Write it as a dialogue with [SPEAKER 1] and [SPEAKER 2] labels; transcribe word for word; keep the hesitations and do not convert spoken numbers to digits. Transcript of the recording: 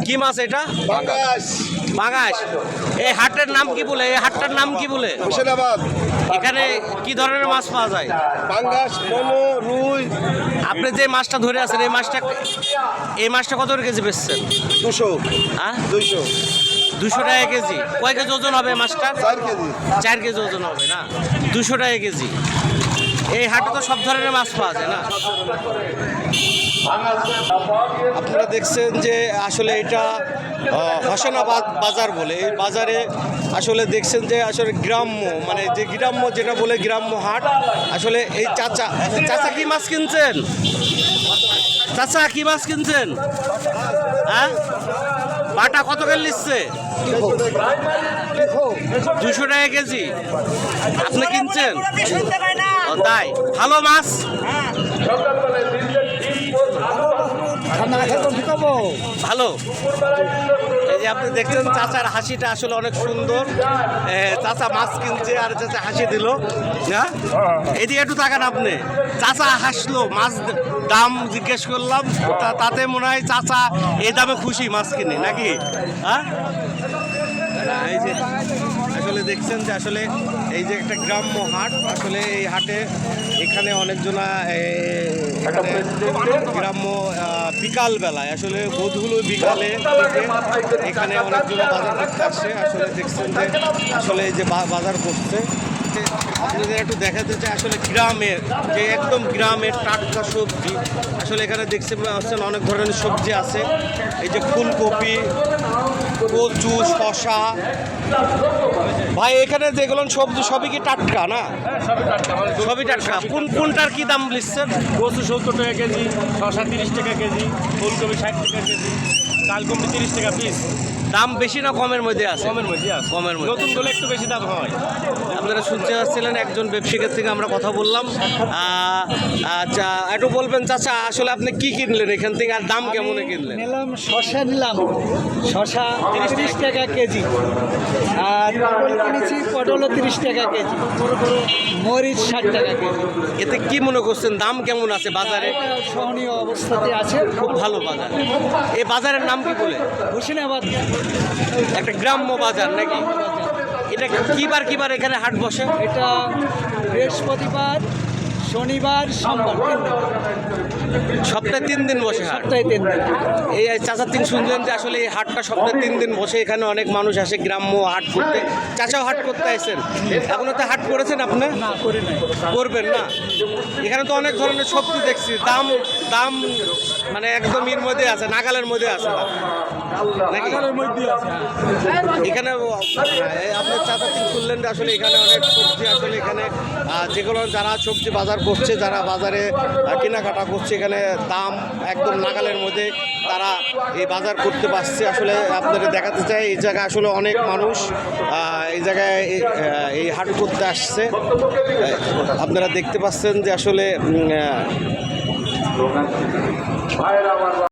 [SPEAKER 1] কি মাছ এটা?
[SPEAKER 2] পাঙ্গাস।
[SPEAKER 1] পাঙ্গাস। এই হাটের নাম কি বলে? এই হাটটার নাম কি বলে?
[SPEAKER 2] মুর্শিদাবাদ।
[SPEAKER 1] এখানে কি ধরনের মাছ পাওয়া যায়?
[SPEAKER 2] পাঙ্গাস, মোমো, রুই।
[SPEAKER 1] আপনি যে মাছটা ধরে আছেন এই মাছটা এই মাছটা কত করে কেজি বেচছেন?
[SPEAKER 2] দুশো।
[SPEAKER 1] হ্যাঁ,
[SPEAKER 2] দুইশো।
[SPEAKER 1] দুশো টাকা কেজি। কয় কেজি ওজন হবে মাছটা?
[SPEAKER 2] চার কেজি।
[SPEAKER 1] চার কেজি ওজন হবে না? দুশো টাকা কেজি। এই হাটে তো সব ধরনের মাছ পাওয়া যায় না? আপনারা দেখছেন যে আসলে এটা হোসেনাবাদ বাজার বলে, এই বাজারে আসলে দেখছেন যে আসলে গ্রাম্য মানে যে গ্রাম্য যেটা বলে গ্রাম্য হাট। আসলে এই চাচা চাচা কি মাছ কিনছেন? চাচা কি মাছ কিনছেন? হ্যাঁ, বাটা কত করে নিচ্ছে? দুশো টাকা কেজি। আপনি কিনছেন? ও তাই, ভালো মাছ। ভালো। এই যে আপনি দেখছেন চাচার হাসিটা আসলে অনেক সুন্দর। চাচা মাছ কিনছে আর চাচা হাসি দিল না। এদিকে একটু তাকান আপনি। চাচা হাসলো, মাছ দাম জিজ্ঞেস করলাম, তাতে মনে হয় চাচা এই দামে খুশি মাছ কিনে নাকি? হ্যাঁ, এই যে আসলে দেখছেন যে আসলে এই যে একটা গ্রাম্য হাট। আসলে এই হাটে এখানে অনেকজনা গ্রাম্য বিকাল বেলায় আসলে বোধগুলো বিকালে এখানে অনেকজনা বাজার করতে আসছে। আসলে দেখছেন যে আসলে এই যে বাজার করছে আপনাদের একটু দেখাতে চাই আসলে গ্রামের যে একদম গ্রামের টাটকা সবজি। আসলে এখানে দেখতে পাচ্ছেন অনেক ধরনের সবজি আছে। এই যে ফুলকপি, কচু, শশা। ভাই এখানে যেগুলো সবজি সবই কি টাটকা না? সবই টাটকা। কোন কোনটার কি দাম লিখছেন?
[SPEAKER 3] কচু সত্তর টাকা কেজি, শশা তিরিশ টাকা কেজি, ফুলকপি ষাট টাকা কেজি, কালকপি তিরিশ টাকা পিস।
[SPEAKER 1] দাম বেশি না কমের মধ্যে আছে?
[SPEAKER 3] কমের মধ্যে আছে।
[SPEAKER 1] কমের মধ্যে।
[SPEAKER 3] নতুন গুলো একটু বেশি দাম হয়।
[SPEAKER 1] আপনারা শুনতে পাচ্ছিলেন একজন ব্যবসায়ীর থেকে আমরা কথা বললাম। আচ্ছা, একটু বলবেন চাচা আসলে আপনি কি কিনলেন এখান থেকে আর দাম কেমন কিনলেন?
[SPEAKER 4] নিলাম শশা, নিলাম শশা তিরিশ টাকা কেজি, আর পটল কিনেছি, পটলও তিরিশ টাকা কেজি, মরিচ ষাট টাকা কেজি।
[SPEAKER 1] এতে কি মনে করছেন দাম কেমন আছে বাজারে?
[SPEAKER 4] সহনীয় অবস্থাতে আছে,
[SPEAKER 1] খুব ভালো বাজার। এই বাজারের নাম কি বলে?
[SPEAKER 4] হোসেনাবাদ।
[SPEAKER 1] একটা গ্রাম্য বাজার নাকি? এটা কিবার কিবার এখানে হাট বসে?
[SPEAKER 4] এটা বৃহস্পতিবার, শনিবার, সোমবার, তিন দিন।
[SPEAKER 1] সপ্তাহে তিন দিন বসে হাট।
[SPEAKER 4] সপ্তাহে তিন দিন।
[SPEAKER 1] এই চাচার তিন শুনলেন যে আসলে এই হাটটা সপ্তাহে তিন দিন বসে। এখানে অনেক মানুষ আসে গ্রাম্য হাট করতে। চাচাও হাট করতে আসেন? এখনো তো হাট করেছেন আপনি?
[SPEAKER 4] না, করি নাই।
[SPEAKER 1] করবেন না? এখানে তো অনেক ধরনের সবজি দেখছি, দাম দাম মানে একদম এর মধ্যে আছে, নাগালের মধ্যে আছে নাকি? এখানে আপনার চাচা তিন শুনলেন যে আসলে এখানে অনেক সবজি আসলে এখানে যেগুলো যারা সবজি বাজার করছে, যারা বাজারে কেনাকাটা করছে, এখানে দাম একদম নাগালের মধ্যে তারা এই বাজার করতে পারছে। আসলে আপনাদের দেখাতে চাই এই জায়গায় আসলে অনেক মানুষ এই জায়গায় এই হাট করতে আসছে। আপনারা দেখতে পাচ্ছেন যে আসলে